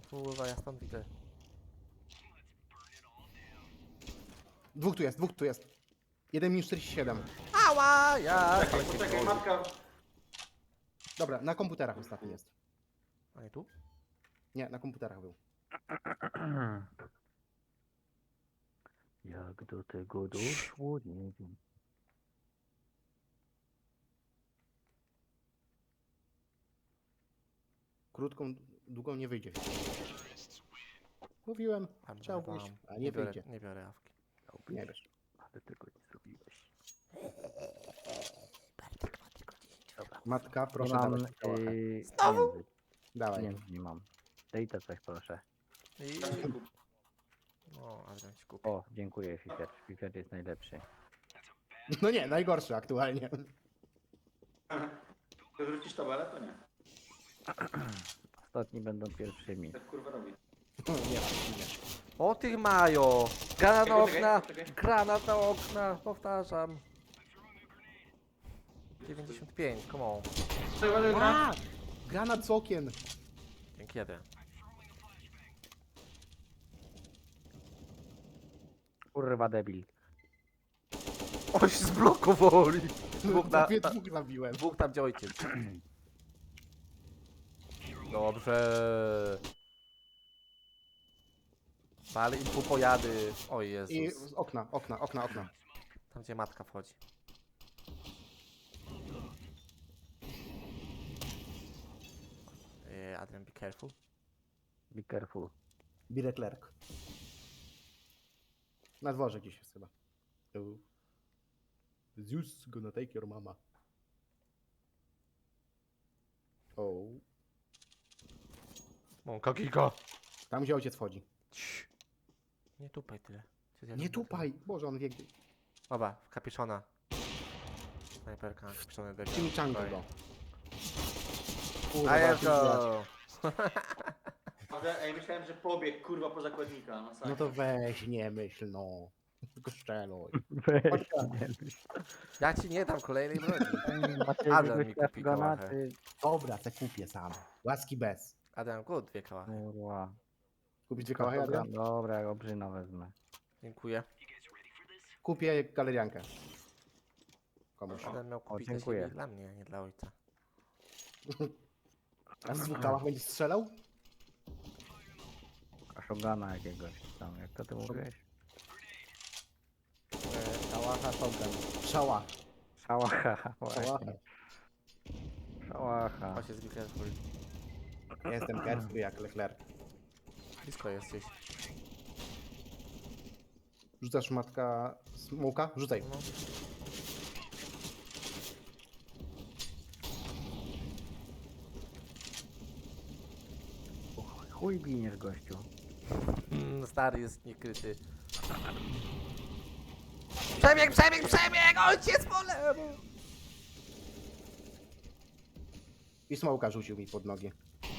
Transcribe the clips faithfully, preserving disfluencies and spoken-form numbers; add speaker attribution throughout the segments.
Speaker 1: kurwa, ja stąd widzę.
Speaker 2: Dwóch tu jest, dwóch tu jest. jeden minus czterdzieści siedem.
Speaker 1: Ała, ja!
Speaker 3: Czekaj,
Speaker 1: Ale się
Speaker 3: poczekaj,
Speaker 1: boli.
Speaker 3: matka.
Speaker 2: Dobra, na komputerach ostatni jest.
Speaker 1: A nie tu?
Speaker 2: Nie, na komputerach był.
Speaker 4: Jak do tego doszło, nie wiem.
Speaker 2: Krótką, długą nie wyjdzie. Mówiłem,
Speaker 1: Tam
Speaker 2: chciał
Speaker 1: wam.
Speaker 2: wyjść, a nie
Speaker 1: biorę,
Speaker 2: wyjdzie.
Speaker 1: nie biorę awki.
Speaker 2: Nie wiesz.
Speaker 4: Ale tego nie zrobiłeś.
Speaker 2: Matka, proszę
Speaker 4: nie mam,
Speaker 2: dawać kałacha.
Speaker 4: yy,
Speaker 1: Znowu?
Speaker 4: pieniędzy.
Speaker 2: Dawaj.
Speaker 4: Pieniędzy nie mam. Daj to coś proszę.
Speaker 1: I... No, Adrian ci kupi.
Speaker 4: O, dziękuję Fifer. Fifer jest najlepszy.
Speaker 2: No nie, najgorszy aktualnie.
Speaker 3: To wrócisz tabelę, to nie.
Speaker 4: Ostatni będą pierwszymi.
Speaker 3: Tak kurwa robi.
Speaker 2: Nie, nie.
Speaker 1: O tych majo! Granat na
Speaker 3: Czekaj,
Speaker 1: okna!
Speaker 3: czekaj, czekaj.
Speaker 1: Granat na okna! Powtarzam. dziewięćdziesiąt pięć, come on.
Speaker 3: Czekaj, gra.
Speaker 2: A! Granat z okien.
Speaker 1: Dzięki jeden.
Speaker 4: Kurwa debil.
Speaker 1: O, się zblokowali! Dwóch, na,
Speaker 2: Prawie
Speaker 1: ta,
Speaker 2: dwóch zabiłem.
Speaker 1: dwóch tam gdzie ojciec. Dobrze. Ale im tu pojady. O
Speaker 2: I
Speaker 1: Jezus.
Speaker 2: z okna, okna, okna, okna.
Speaker 1: Tam gdzie matka wchodzi. Eee, Adrian, be careful.
Speaker 4: Be careful.
Speaker 2: Bile Clerk. Na dworze gdzieś jest chyba. Tu. Zeus gonna take your mama. O.
Speaker 1: Mąka giga.
Speaker 2: Tam gdzie ojciec wchodzi.
Speaker 1: Cii. Nie tupaj tyle. Czy ja
Speaker 2: Nie
Speaker 1: lubię
Speaker 2: tupaj! Boże, on wie gdzie.
Speaker 1: tyle? Dobra, w kapiszona. Snajperka, kapiszony debil.
Speaker 2: Chimichanga go.
Speaker 1: A jest
Speaker 2: ty
Speaker 1: go!
Speaker 3: Ale, ej, myślałem, że pobiegł kurwa po zakładnika. Masakra.
Speaker 2: No to weź, nie myśl, no. Tylko szczeluj.
Speaker 4: Weź,
Speaker 2: Chodź.
Speaker 4: nie myśl.
Speaker 1: Ja ci nie dam kolejnej broni.
Speaker 4: Maciej,
Speaker 1: Adam
Speaker 4: jakbyś
Speaker 1: mi
Speaker 4: miał
Speaker 1: kupi
Speaker 4: granaty.
Speaker 2: Dobra, te kupię sam. Łaski bez.
Speaker 1: Adam, good, dwie kałachy.
Speaker 4: Kurwa.
Speaker 2: Kupić dwie kałachy, Adrian?
Speaker 4: Dobra, ja obrzyna wezmę.
Speaker 1: Dziękuję.
Speaker 2: Kupię galeriankę. Komuś.
Speaker 1: Adam miał kupić dla
Speaker 4: dziękuję.
Speaker 1: siebie i dla mnie, nie dla ojca.
Speaker 2: A z dwóch kałach będziesz strzelał?
Speaker 4: Kaszogana jakiegoś tam, jak to ty mówiłeś?
Speaker 2: Eee, kałacha, shotgun. Szała.
Speaker 4: Szałacha,
Speaker 2: Szałacha.
Speaker 4: właśnie. Szałacha.
Speaker 1: Chodź, jest be careful.
Speaker 2: Ja jestem pierwszy jak Leclerc.
Speaker 1: Blisko jesteś.
Speaker 2: Rzucasz matka smoka? Rzucaj.
Speaker 1: No.
Speaker 4: Chuj biniesz gościu.
Speaker 1: Mm, stary jest niekryty. Przebieg, przebieg, przebieg! Ojciec po lewo!
Speaker 2: I smoka rzucił mi pod nogi.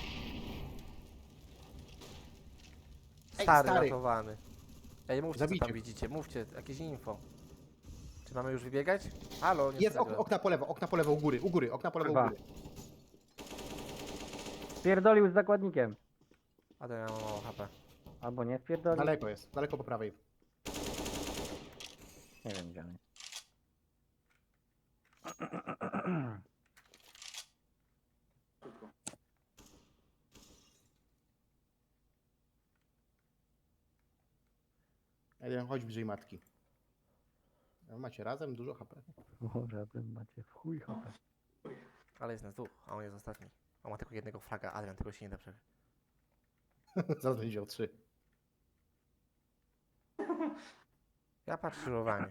Speaker 2: Ej,
Speaker 1: Stary,
Speaker 2: stary.
Speaker 1: ratowany. Ej, mówcie co
Speaker 2: Zabijcie
Speaker 1: tam
Speaker 2: go.
Speaker 1: widzicie, mówcie, jakieś info. Czy mamy już wybiegać? Halo, nie
Speaker 2: Jest ok
Speaker 1: wtedy.
Speaker 2: okna po lewo, okna po lewo u góry, u góry, okna po lewo u
Speaker 4: Kurwa.
Speaker 2: góry.
Speaker 4: Spierdolił z zakładnikiem.
Speaker 1: Adam, ja mam mało H P.
Speaker 4: Albo nie spierdolił.
Speaker 2: Daleko jest, daleko po prawej.
Speaker 4: Nie wiem gdzie on jest.
Speaker 3: Szybko.
Speaker 2: Jeden, chodź bliżej matki. A macie razem dużo H P.
Speaker 4: Może bym macie w chuj chopę.
Speaker 1: Ale jest nas dwóch, a on jest ostatni. On ma tylko jednego fraga, Adrian, tego się nie da przebić.
Speaker 2: Zaraz będzie o trzy.
Speaker 1: Ja patrzę skrzyżowanie.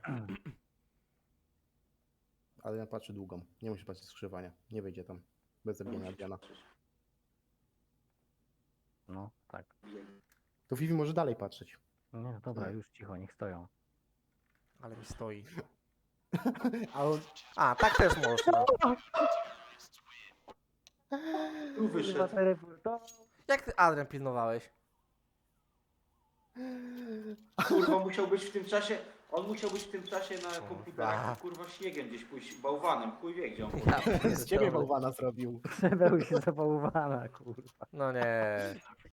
Speaker 2: Ale ja patrzę długą. Nie musi patrzeć skrzywania. Nie wyjdzie tam. Bez zabijania Adriana.
Speaker 4: No, tak.
Speaker 2: To Vivi może dalej patrzeć.
Speaker 4: Nie, no dobra,
Speaker 2: Nie.
Speaker 4: już cicho, niech stoją.
Speaker 1: Ale mi stoi.
Speaker 2: A on...
Speaker 1: A, tak też można.
Speaker 3: Tu wyszedł.
Speaker 1: Jak ty, Adrian, pilnowałeś?
Speaker 3: Kurwa musiał być w tym czasie. On musiał być w tym czasie na
Speaker 1: Kurwa.
Speaker 3: komputerach, kurwa śniegiem gdzieś pójść, bałwanem, chuj wie gdzie on.
Speaker 1: Ja
Speaker 2: Z ciebie
Speaker 1: pierdolę.
Speaker 2: bałwana zrobił.
Speaker 4: Przebeł się zapałwana, kurwa.
Speaker 1: No nie.